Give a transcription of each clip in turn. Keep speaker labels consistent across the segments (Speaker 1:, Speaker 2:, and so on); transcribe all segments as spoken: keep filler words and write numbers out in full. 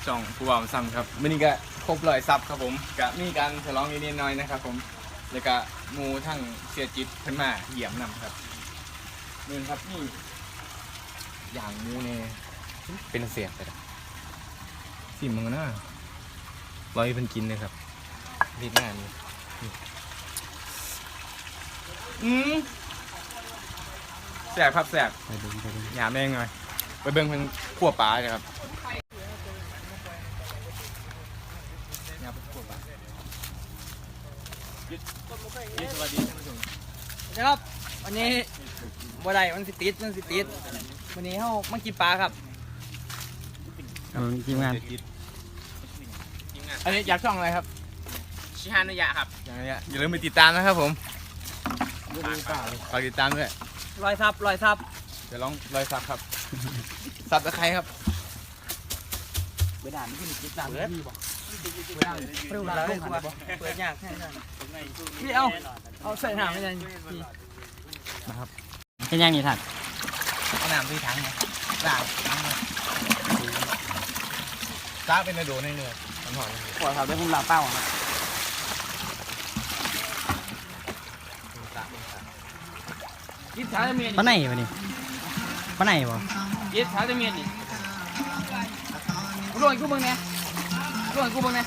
Speaker 1: ช่องผู้บ่าวซ้ำครับวันนี้ก็ครบร้อยซับครับผมก็มีการฉลองนิดๆหน่อยๆนะครับผมแล้วก็หมูทั้งเสียจิตขึ้นมาเยี่ยมนำครับนี่ครับนี่อย่างหมูเนี่ยเป็นเสียงไปแล้วสิมึงนะร้อยเป็นกินเลยครับรีดหน้านี่อืมแสบครับแสบ
Speaker 2: ไปดูไปดู
Speaker 1: หยามแม่งหน่อยไปเบิ่งเพิ่นขั่วปลาเลยครับหยามขั่วปลาสวัสดีท่านผู้ชม
Speaker 3: นะครับวันนี้บ่ได้มันสิติดมันสิติดวันนี้เฮามากินปลาครับ
Speaker 2: เอาทีมงาน
Speaker 1: อันนี้อยากช่องอะไรครับ
Speaker 3: ชิฮานุยะครับ
Speaker 1: อย่างนี้อย่าลืมไปติดตามนะครับผมฝากติดตามด้วย
Speaker 3: รอยซับรอยซับ
Speaker 1: เดี๋ยวลองรอยซับครับซับตะไคร้ครับ
Speaker 3: เปิดด่านไม่กินกินด่านเลยบ่เปิดด่านเปิดด่านเปิดยากแค่นั้นพี่เอาเอาใส่น้ำไม่ได้พี่
Speaker 1: นะครับ
Speaker 2: เป็นยังนี่ท่าน
Speaker 3: เอาน้ำที่ถังไงด่างถังเลย
Speaker 1: จ้าเป็นในโดในเนื้อมันหอม
Speaker 3: ขวดครับได้พุ่งลาเป้าครับยิดช้าจะเมียน
Speaker 2: ป้าไหนวะนี่ป้าไหนบ่
Speaker 3: ยิดช้าจะเมียนนี่ร่วงกูมึงเนี่ยร่วงกูมึงเนี่ย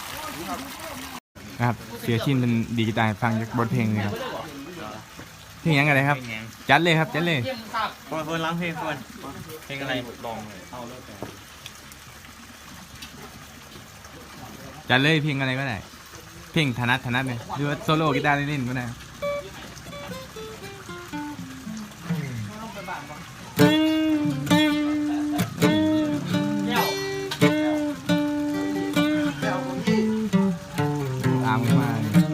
Speaker 1: นะครับเสียชินเป็นดีกีตาร์ฟังจากบทเพลงเลยครับเพลงยังไงครับจัดเลยครับจัดเลย
Speaker 2: เฟิร์นร้องเพลงเฟิร์นเพลงอะไร
Speaker 1: ลองเลยจัดเลยเพลงอะไรก็ได้เพลงถนัดถนัดเลยหรือว่าโซโล่กีตาร์เล่นๆก็ได้ตามกันมา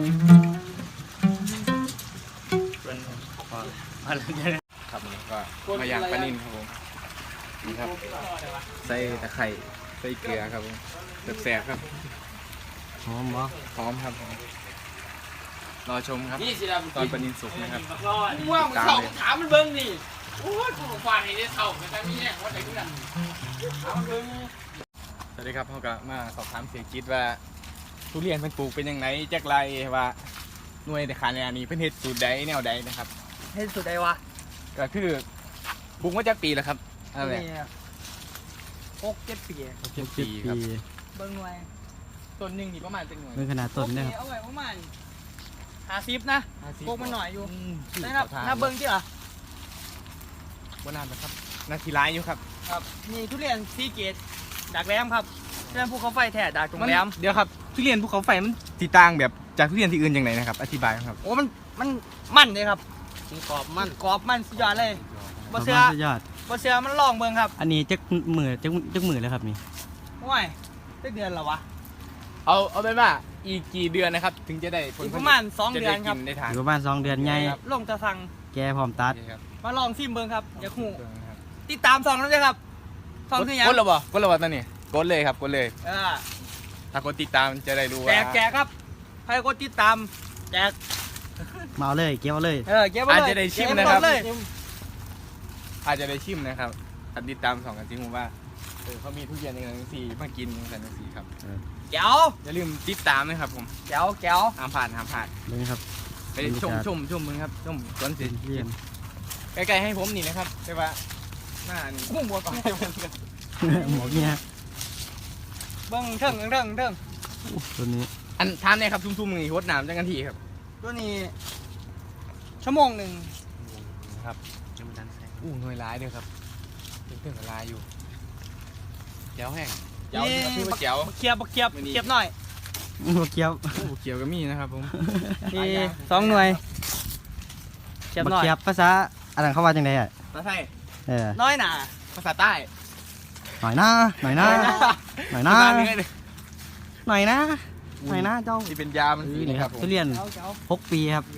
Speaker 1: ครับนี่ก็มาย่างปลานิ่นครับผมนี่ครับใส่ตะไคร้ใส่เกลือครับผมแสบๆครับ
Speaker 2: หอมบ่
Speaker 1: พร้อมครับผมรอชมครับตอนปลานิ่นสุกนะครับ
Speaker 3: ว่ามึงเข่าถามมันเบิ้งนี่โอ้ยกูฟังให้ได้เข่าแต่มีแน่ว่าไหนกูนั่นถามมันเบิ้ง
Speaker 1: สวัสดีครับเขาก็มาสอบถามเสียคิดว่าทุเรียนเพิ่นปลูกเป็นยังไงจากไรว่าหน่วยแต่ขานนี้เพิ่นเฮ็ดสูตรใดแนวใดนะครับ
Speaker 3: เห็นสุดใดวะ
Speaker 1: ก็คือปลูกมาจากปีแล้วครับอะไร
Speaker 3: หกเจ็ดปี
Speaker 1: เจ็ดปีครับ
Speaker 3: เบิ้งหน่วย
Speaker 1: ต้นหนึงนี่ประมาณจังหน่วย
Speaker 2: เมื่อขนาดต้นเนี่ยครับ
Speaker 3: เอาไว้ประมาณห้าสิบนะ
Speaker 1: 50
Speaker 3: ปลูกมันหน่อยอยู่
Speaker 1: ม
Speaker 3: ได้นับนับเบิ้งที่เหรอ
Speaker 1: บ่นานนะครับนาทีร้ายอยู่ครับ
Speaker 3: ครับนี่ทุเรียนซีเกตดักแรมครับทุเรียนภูเขาไฟแท้ดักตรงแรม
Speaker 1: เดี๋ยวครับทุเรียนภูเขาไฟมันสีต่างแบบจากทุเรียนที่อื่นยังไงนะครับอธิบายครับ
Speaker 3: โอ้มันมันมันเลยครับมันกรอบมันกรอบมันสุดยอดเลยบ่เสือ
Speaker 2: สุดยอด
Speaker 3: บ่เสือมันลองเบิ้งครับ
Speaker 2: อันนี้จักมือจักจักมือแล้วครับนี่
Speaker 3: โอ้ยได้เดือนแล้ววะ
Speaker 1: เอาเอาเป็นว่าอีกกี่เดือนนะครับ ถึงจะได้ผล
Speaker 3: อีก
Speaker 1: ผ
Speaker 3: ป
Speaker 1: ลิต
Speaker 3: ระมาณสอง
Speaker 1: จะ
Speaker 3: เดื
Speaker 1: ได้
Speaker 3: อนครับ
Speaker 1: กินได้ทาน
Speaker 2: อยู่ประมาณสองเดือนใหญ่
Speaker 3: ลงจะสั่ง
Speaker 2: แกพร้อมตัด
Speaker 1: โอเคครับ
Speaker 3: มาลองซิมเบิ้งครับอย่าหูติดตามสองนั่นเลยครับสองคือหยัง
Speaker 1: กดแล้วบ่กดแล้วบ่ตอนนี้กดเลยครับกดเลย
Speaker 3: เออ
Speaker 1: ถ้ากดติดตามจะได้รู้ว่า
Speaker 3: แจกแจกครับใครกดติดตามแจก
Speaker 2: มาเอาเลยเก็บเอาเลย
Speaker 3: เออเก็บไว้
Speaker 1: อาจ
Speaker 3: เลย
Speaker 1: จะได้ชิม
Speaker 3: เก็
Speaker 1: นะครับ
Speaker 3: ไว้เลย
Speaker 1: อาจจะได้ชิมนะครับถ้าติดตามสองกันจริงผมว่าเออเขามีทุเรียนอย่างนั้นสีมากินอย่างนั้นสีครับ
Speaker 3: แก้ว
Speaker 1: อย่าลืมติดตามนะครับผม
Speaker 3: แก้วแก้ว
Speaker 1: ห้ามผ่านห้ามผ่าน
Speaker 2: นี่ครับ
Speaker 1: ไปชมชมชมมึงครับชมสวนเศรษฐ
Speaker 2: เรี
Speaker 1: กิ
Speaker 2: ย
Speaker 1: จ
Speaker 2: น
Speaker 1: ใกล้ๆให้ผมนี่นะครับใช่ปะหน้านี่
Speaker 3: หุ้มหัว
Speaker 2: หมวกเนี่ย
Speaker 3: เบิ้งเทิงเทิงเทิง
Speaker 2: อู้ตัวนี้
Speaker 1: อันทานเนี่ยครับทุ่มๆนี่โคตรหนามจังกันทีครับ
Speaker 3: ตัวนี้ชั่วโมงหนึ่ง
Speaker 1: ครับอู้หน่วยร้ายเลยครับเป็นเครื่องละลายอยู่แจ๋วแห้งแจ๋วนี่ก็คือว่าแจ๋ว
Speaker 3: บักเคียบบักเคียบ
Speaker 1: ไม่ดี
Speaker 3: เคียบหน่อย
Speaker 2: หมวกเกี๊ยว
Speaker 1: อู้เขียวก็มีนะครับผม
Speaker 3: นี่สองหน่วยเคียบ
Speaker 2: บัก
Speaker 3: หน่อย
Speaker 2: เกี๊ยวภาษาอะไรเขาว่าจังไดอ่ะ
Speaker 1: ภาษาไทย
Speaker 2: เออ
Speaker 3: น้อยหนา
Speaker 1: ภาษาใต้
Speaker 2: หน่อยนะหน่อยนะหน่อยนะ
Speaker 1: ภาษาเหนือเลย
Speaker 2: หน่อยนะหน่อยนะเจ้า
Speaker 1: ที่เป็นยามันสี
Speaker 2: นี่
Speaker 1: นี่
Speaker 2: ค
Speaker 1: ค
Speaker 2: รั
Speaker 1: รั
Speaker 2: บบ
Speaker 1: ผม
Speaker 2: ทุเรียน
Speaker 3: แก้วแก้ว
Speaker 2: หกปีครับ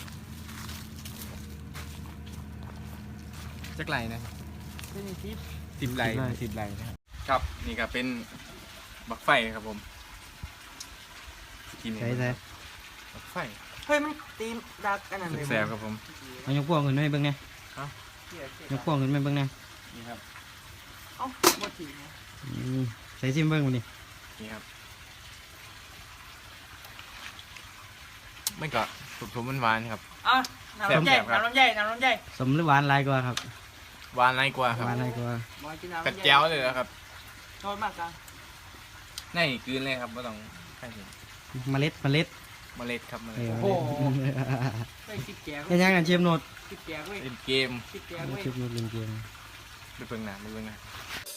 Speaker 1: จักไรนะ
Speaker 3: ตัวนี้ทิป
Speaker 1: สิบไรสิบไรนะครับครับนี่ก็เป็นบักไฟครับผมกิน
Speaker 2: ใช่ใช่
Speaker 1: บักไฟ
Speaker 3: เฮ้ยมันตีนดักอันนั้นเลย
Speaker 1: แสบๆครับผม
Speaker 2: เอายกพวงขึ้นมาให้เบิ่งไง
Speaker 1: เอ้า
Speaker 2: ยกพวงขึ้นมาเบิ่งไง
Speaker 1: นี่ครับ
Speaker 3: เอ้าหมดที
Speaker 2: อืมใส่ซิมเบิ้งมาดิ
Speaker 1: นี่ครับไม่ก็สุกทุมมันหวานครับ
Speaker 3: อ่ะน้ำลำไย
Speaker 1: แซ่บๆครับ
Speaker 3: น้ำลำไยน้ำลำไย
Speaker 2: สมหรือหวานหลายกว่าครับ
Speaker 1: หวานไรกว่าครับ
Speaker 2: หวานหลายกว่า
Speaker 3: มากินน้ำ
Speaker 1: กระ
Speaker 3: ลำไย
Speaker 1: เจ้าเลยนะครับ
Speaker 3: โทษมากกัน
Speaker 1: นี่กลืนเลยครับไม่ต้องใช่ถึง
Speaker 2: เมล็ดเมล็ด
Speaker 1: เมล็ดครับเม
Speaker 2: เอ
Speaker 1: ล็ด
Speaker 2: อ
Speaker 3: โอ้
Speaker 2: เมล็ด
Speaker 3: เฮ้ยคิดแก่
Speaker 2: เป็นยังกันเชฟโนด
Speaker 3: คิดแก่เว้ย
Speaker 1: เล่นเกม
Speaker 3: คิดแก่
Speaker 2: เช
Speaker 3: เว้ย
Speaker 2: ฟโนดเล่นเกม
Speaker 1: ไปเบิ่งหน้าไปเบิ่งหน้า